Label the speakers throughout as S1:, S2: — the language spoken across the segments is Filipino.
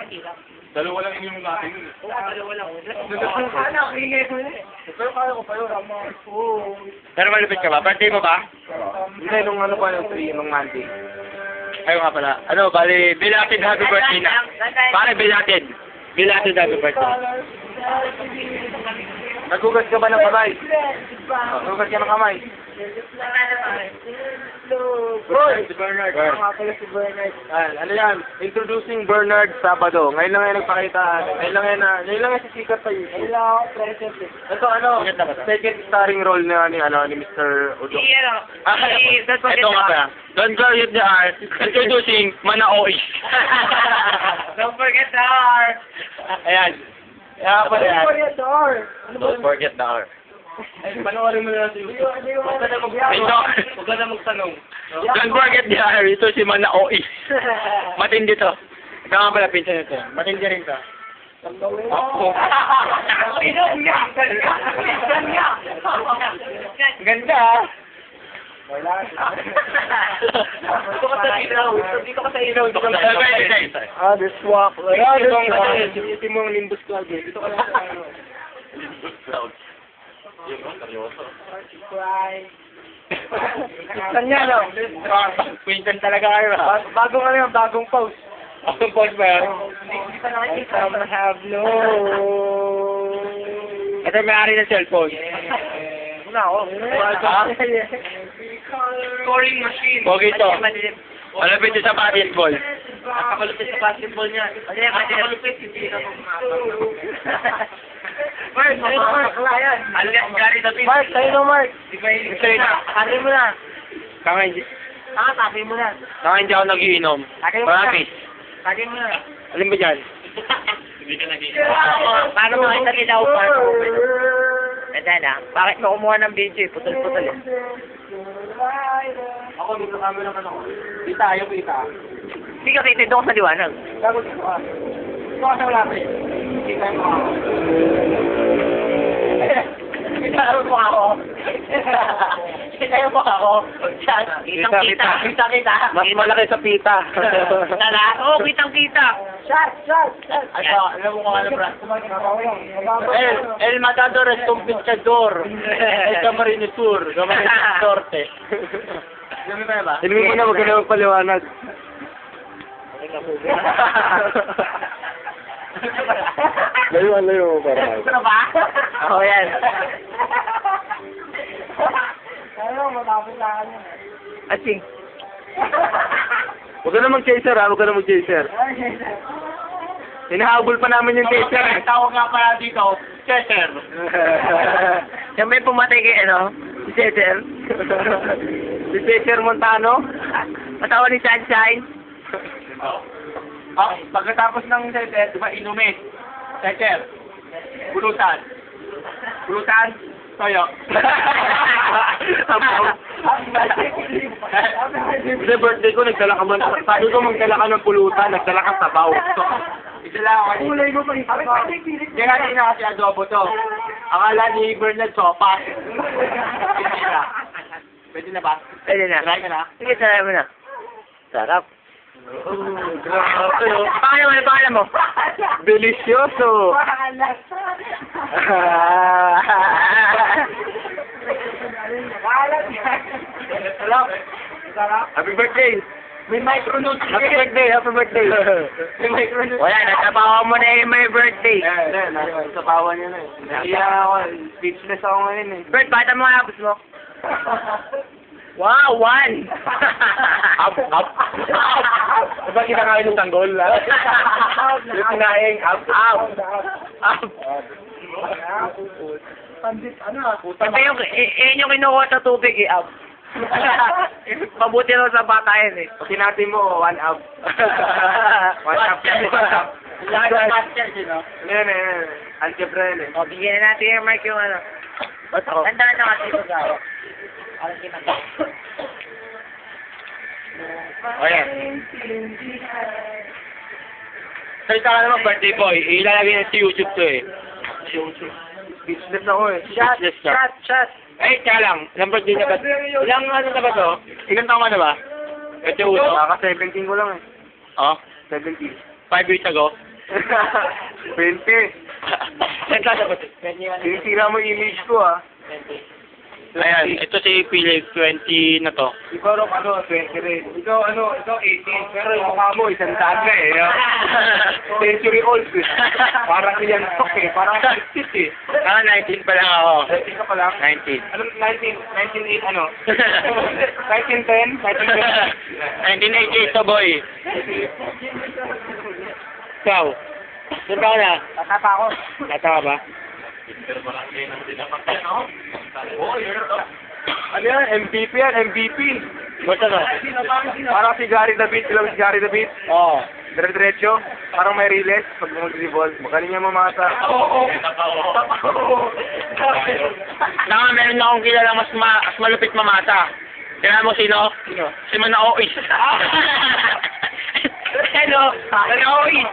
S1: Dalawa lang yung natin.
S2: Oo, dalawa lang.
S1: Pero kaya ko pa yun.
S3: Pero malupit ka ba? Birthday mo ba?
S1: Hindi, nung ano pa yung 3, nung Monday.
S3: Ayaw nga pala. Ano, bali, belated happy birthday na. Pare, belated. Belated happy birthday.
S1: Nagugas ka ba ng kamay? Nagugas ka ng kamay?
S3: Si Bernard.
S1: Ano yan? Introducing Bernard Sabado. Ngayon lang yan nagpakita. Ngayon lang yan sisikat sa YouTube. Ito ano, second starring role na ni Mr. Udo.
S3: Ito nga pala. Don't forget the R. Introducing Manaoy.
S2: Don't forget the R.
S3: Ayan. Kaya pala yan.
S1: Don't forget the R.
S3: Panoorin mo na sa YouTube.
S1: Huwag ka na magtanong.
S3: Don't forget the R. Ito si Manaoy. Matindi to. Ito nga pala pinsan nito. Matindi rin to. Ako. Ganda ah.
S1: Dito ka sa ilaw.
S3: This walk.
S1: Ito mo ang Nimbus Cloud. Dito ka lang sa ano.
S3: Nimbus Cloud. Yun, seryoso.
S1: Saan yan, no?
S3: Pinsan talaga kayo ha.
S1: Bagong ano yan, bagong post.
S3: Ang post ba yan?
S1: Hindi pa nakikita.
S3: have no. Ito may-ari ng cellphone.
S1: Una ako.
S2: Scoring machine.
S3: Pogi ito. Malapit ito sa basketball.
S2: Nakakalupit sa basketball niya. Nakakalupit, hindi na
S1: Mark, sa'yo na, Mark. Wala yan.
S2: Gary David.
S1: Mark, sa'yo na, Mark.
S3: Sa'yo na.
S1: Sabi mo na.
S3: Kakain.
S1: Sabi mo na.
S3: Hindi ako nagiinom.
S1: Sabi mo na.
S3: Practice.
S1: Sabi mo na.
S3: Alin ba dyan?
S2: Hindi ka nagiinom. Paano mo kita nilaw pa? Ganda na. Bakit mo kumuha ng video? Putol-putol eh.
S1: Ako, dito kami naman ako. Kita, ayaw kita.
S2: Hindi ka kitid doon sa liwanag.
S1: Gago dito ka. Dito ka sa wala pa eh. Kita mo ako. Kita mo ako. Kita mo ako.
S2: Kitang-kita.
S1: Kita.
S3: Mas malaki sa pita.
S2: Kita na? Oo, kitang-kita.
S1: Shot. Alam mo kung ano, bro.
S3: El Matador es compensador. El Camarinesur. Camarinesur Norte.
S1: Dami pa ba?
S3: Hindi mo na huwag ka na magpaliwanag. Layo para.
S1: Ito na ba?
S2: Oo, yan.
S1: Ano, matapos na kanya.
S2: Ating.
S3: Huwag ka na mag-chaser ha, huwag ka na mag-chaser. Hinahabol pa namin yung chaser.
S1: Tawag nga pala dito, chaser.
S2: Yung may pumatay kay ano? Si Cesar.
S3: Si Chaser Montano.
S2: Matawa ni Sunshine.
S1: Pagkatapos ng chaser, di ba inumin? Chaser. Bulutan. Toyo.
S3: Kasi birthday ko, nagdala ka man. Sabi ko magdala ka ng pulutan, nagdala ka sabaw.
S1: Isala ako. Kulay mo pa rin. Kaya nga na kasi adobo to. Akala ni Bernard sopas. Pwede na ba?
S2: Pwede na.
S1: Try ka na?
S2: Sige, try mo na. Sarap.
S3: Grabe oh.
S2: Pakala mo.
S3: Delicioso. Happy birthday.
S1: May micronuts.
S3: Happy birthday.
S1: May micronuts.
S2: Wala, natapawa mo na yung may birthday.
S1: Sa pawa niya na eh. Naiya ako. Speechless ako ngayon eh.
S2: Bert, bakit mo nga mo? Wow, 1!
S3: Up. Diba kinakain ng tanggol? Yung kinain, up.
S1: Pandit, ano?
S2: Pati yung kinukuha sa tubig, up. Mabuti lang sa bata yan eh.
S3: Pag natin mo, 1 up. 1 up.
S1: Laki ng master, sino?
S3: Yan. Algebra yan eh.
S2: O, bigyan na natin yung mic yung ano.
S3: Bato.
S2: Tandaan na kasi ito gawa. Alam kita ba?
S3: O yan. Salita ka naman, birthday boy. Ilalagay na sa YouTube to eh.
S1: Speechless ako eh.
S3: Speechless ka.
S2: Shot!
S3: Eh, kaya lang. Ilang birthday na ba? Ilang ano na ba to? Ilang taon ka na ba? Ito uso.
S1: Kaka 17 ko lang eh.
S3: Oh?
S1: 17.
S3: 5 years ago? Saan ka dapat?
S1: Sinisira mo yung image ko, ah.
S3: Ayan, ito si Philip, 20 na to.
S1: Ikaw Rob, 20 rin. Ikaw 18. Pero yung mukha mo, 100 na eh. Century old eh. Parang yan stock eh. Parang 60 eh.
S3: 19 pa lang ako.
S1: 19 ka pa lang?
S3: 19.
S1: Ano, 1908 ano? 1910?
S3: 1988 to, boy. Ikaw? Saan ka na?
S1: Tatapa ako.
S3: Nata ka ba?
S1: Ano yan? MVP yan, MVP.
S3: Basta na?
S1: Parang si Gary David, alam mo si Gary David?
S3: Oo.
S1: Dire-diretso, parang may riles pag mag-revolve. Magaling niya mamasa.
S3: Naka, meron na akong kilala mas malupit mamata. Kaya mo sino? Si Manaois. Hello? Manaois.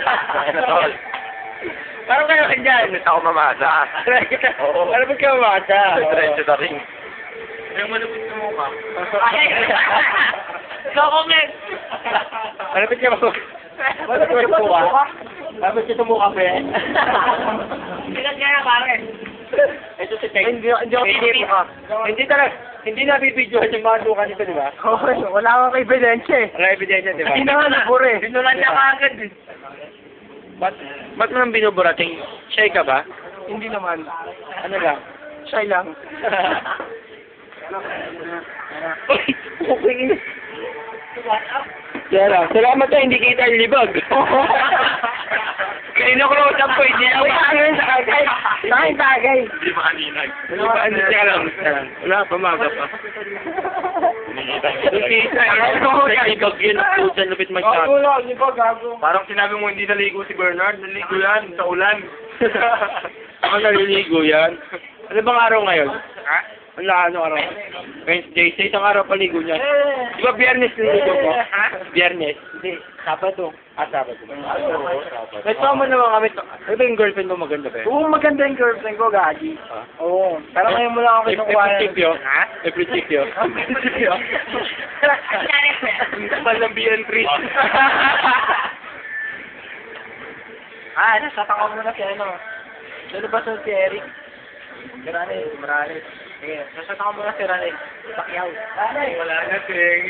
S3: Parang kayo ka dyan.
S1: Hindi ako mamasa.
S3: Ano ba kayo mamata?
S1: Diretso na rin.
S3: Yung malupit na mukha. Ikaw comment! Malupit ka ba? Malupit ka mukha? Malupit ka mukha, pre? Sikat ka na, pare. Ito si Tek.
S1: Hindi ako pinipika.
S3: Hindi talaga. Hindi na bibidyohan yung mga luka nito, di ba?
S1: Okay, wala akong ebidensya eh.
S3: Wala ebidensya, di ba?
S1: Hindi na nga nabura eh.
S3: Binulan niya kaagad eh. Ba't mo nang binuburating? Shy ka ba?
S1: Hindi naman.
S3: Ano lang?
S1: Shy lang.
S3: Okay. Kaya lang, salamat na hindi kita libag. Kino-close up ko, hindi ako
S1: Ano sa kagay? Saan tagay?
S3: Hindi makalinag. Teka lang. Wala pa, maga pa. Libag yun, pusan lupit mag-shot.
S1: Parang sinabi mo hindi naligo si Bernard. Naligo yan sa ulan.
S3: Ako naliligo yan. Ano bang araw ngayon?
S1: Ha?
S3: Ano araw? Wednesday. Sa isang araw paligo niya. Di ba biyernes niligo ko? Biyernes? Hindi. Sabado. Sabado. Nagpama naman kami. Ano ba yung girlfriend mo maganda ba?
S1: Oo, maganda yung girlfriend ko, Gagi. Oo. Pero ngayon mo lang ako
S3: May
S1: kinukuha.
S3: prinsipyo?
S1: Ha?
S3: May prinsipyo?
S1: Prinsipyo? Ang kapal ng BN3. Nasatang ko muna si ano. Ano ba si Eric? Morales. Sige, nasatang ko muna si Rane. Pacquiao. Wala na, Ting.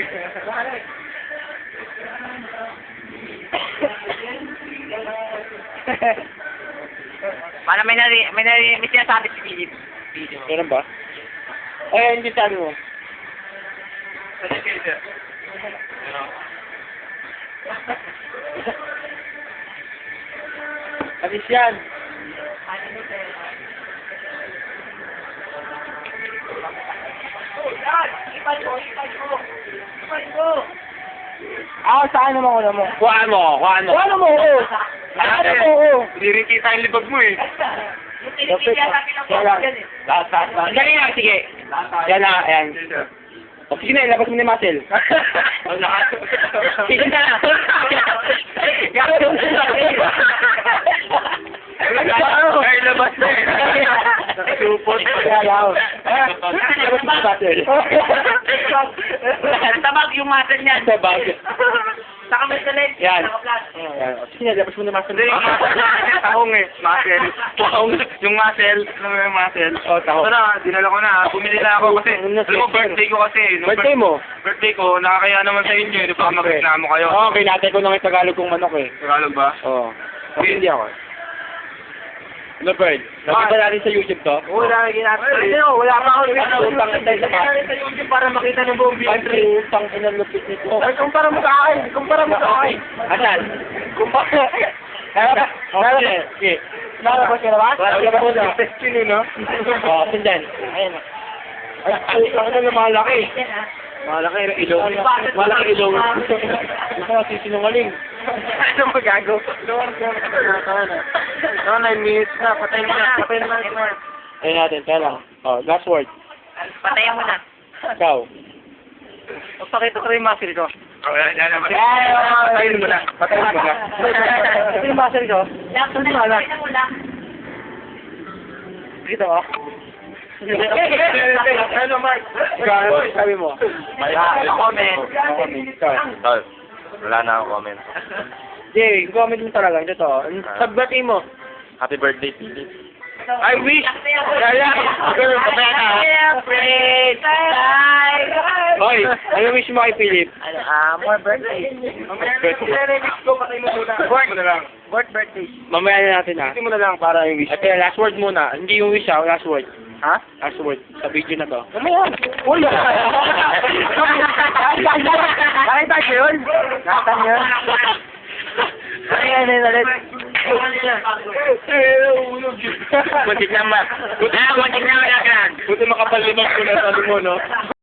S2: Para may sinasabi si Philip.
S3: Meron ba? Ay, hindi sabi mo. Alis yan.
S1: Saan naman ko mo?
S3: Kuhaan mo.
S1: Ano mo ko? Ano mo ko? Hindi rin kita yung libag mo eh.
S3: Last. Dali lang, sige. Yan na, ayan. O, sige na, ilabas mo na yung muscle. Sige na.
S1: Ay, labas na eh. Supot.
S3: Ilabas mo na yung muscle.
S2: Tabag yung muscle niyan.
S3: Sabag.
S2: Saka may salit.
S3: Yan.
S2: Naka-flash.
S3: Ayan. O, sige na, ilabas mo na yung muscle.
S1: Hindi, tahong eh. Muscle. Yung muscle. Alam mo yung muscle?
S3: O, taho.
S1: Ito na, dinala ko na. Bumili na ako kasi. Alam mo, birthday ko kasi. Nung
S3: Birthday mo?
S1: Birthday ko, nakakaya naman sa inyo. Hindi pa mag-reklamo kayo.
S3: Oo, kinatay ko ng Tagalog kong manok eh.
S1: Tagalog ba?
S3: Oo. Hindi ako. Ano, Bird? Nakita natin sa YouTube to?
S1: Wala na ginagawa. Wala pa ako
S3: Utang tayo sa
S1: YouTube para makita ng buong video.
S3: Utang inalupit nito.
S1: Ay, kumpara mo sa akin. Kumpara mo sa akin.
S3: Asan?
S1: Kumpara.
S3: Sige.
S1: Nara ba sila ba?
S3: Wala ba na?
S1: Sino, no?
S3: Oo, sindan. Ayan.
S1: Ay, ano na malaki.
S3: Malaki ilong. Malaki ilong. Ito, sinungaling.
S1: Ano magago? No, 9 minutes na. Patay mo na. Patay na.
S3: Ayun natin, kaya lang. Oh, last word.
S2: Patayan mo na.
S3: Ikaw.
S1: Magpakita ko rin yung muscle ko.
S3: Patayin mo na. Patayin mo na.
S1: Ito yung muscle ko.
S2: Patayan mo na.
S1: Dito ako. Ano, Mark?
S3: Sabi mo.
S2: Comment.
S3: Comment. Ikaw.
S1: Wala na akong comment.
S3: Jay, comment mo talaga. Ito to. Sagbati mo.
S1: Happy birthday, Philip.
S3: I wish. Yaya. Pero papaya ka. Hoy, ano wish mo kay Philip?
S2: More birthdays. More birthdays.
S3: Mamaya na natin ha.
S1: Hindi mo na lang para yung wish.
S3: Ate, last word muna. Hindi yung wish ha, last word.
S1: Ha?
S3: Last word sa video na to.
S1: Uy!
S2: Nakita niyo yun? Nakita niyo yun? Ayan, ulit.
S3: Muntik na ma. Muntik na ma.
S1: Buti makapal limang ko na sa mo, no?